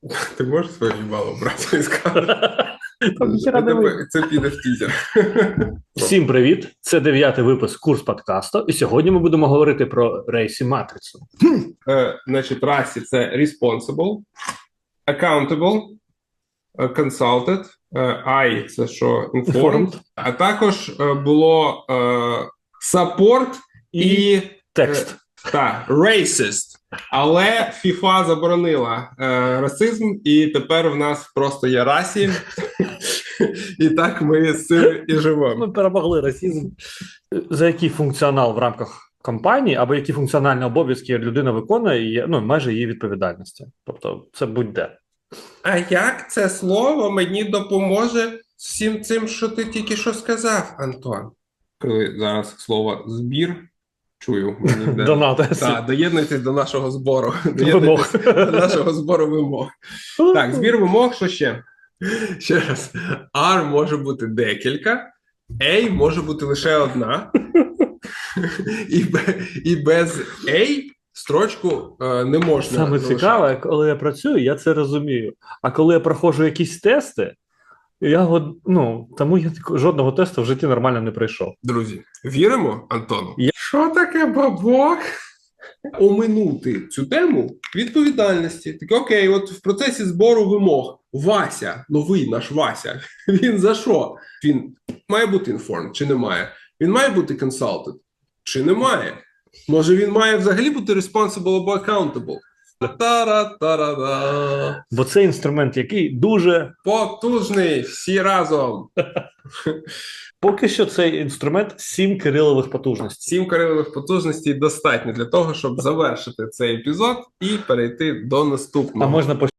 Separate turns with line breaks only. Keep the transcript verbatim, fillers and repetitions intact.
Ти можеш своє їбало брати і сказати?
Там ніхера не вийде.
Це піде в тізер.
Всім привіт! Це дев'ятий випуск курс подкасту, і сьогодні ми будемо говорити про рейсі матрицю.
Е, Значить, расі це responsible, accountable, е, consulted, е, I це що informed,
Informed.
а також е, було е, support і,
І текст.
Е, та, racist. Але FIFA заборонила е, расизм, і тепер в нас просто є расі. І так ми з цим і живемо.
Ми перемогли расизм. За який функціонал в рамках компанії, або які функціональні обов'язки людина виконує, є, ну, майже її відповідальності. Тобто це будь-де.
А як це слово мені допоможе з всім цим, що ти тільки що сказав, Антон? Коли зараз слово «збір» чую. Мені йде.
Донати.
Так, доєднуйтесь до нашого збору.
Вимог.
Доєднуйтесь до нашого збору вимог. Так, збір вимог, що ще? Ще раз. R може бути декілька, A може бути лише одна. І, бе- і без A строчку е, не можна
Саме
залишати.
цікаве, коли я працюю, я це розумію. А коли я проходжу якісь тести, я от, ну, тому я тако- жодного тесту в житті нормально не пройшов.
Друзі, віримо Антону?
Я-
Що таке бабок? Оминути цю тему відповідальності. Так, окей, от в процесі збору вимог Вася, новий наш Вася, він за що? Він має бути informed чи не має? Він має бути consulted чи не має? Може він має взагалі бути responsible або accountable? Та-ра-та-ра-да.
Бо це інструмент, який дуже...
Потужний, всі разом.
Поки що цей інструмент сім кирилових потужностей.
Сім кирилових потужностей достатньо для того, щоб завершити цей епізод і перейти до наступного.
А можна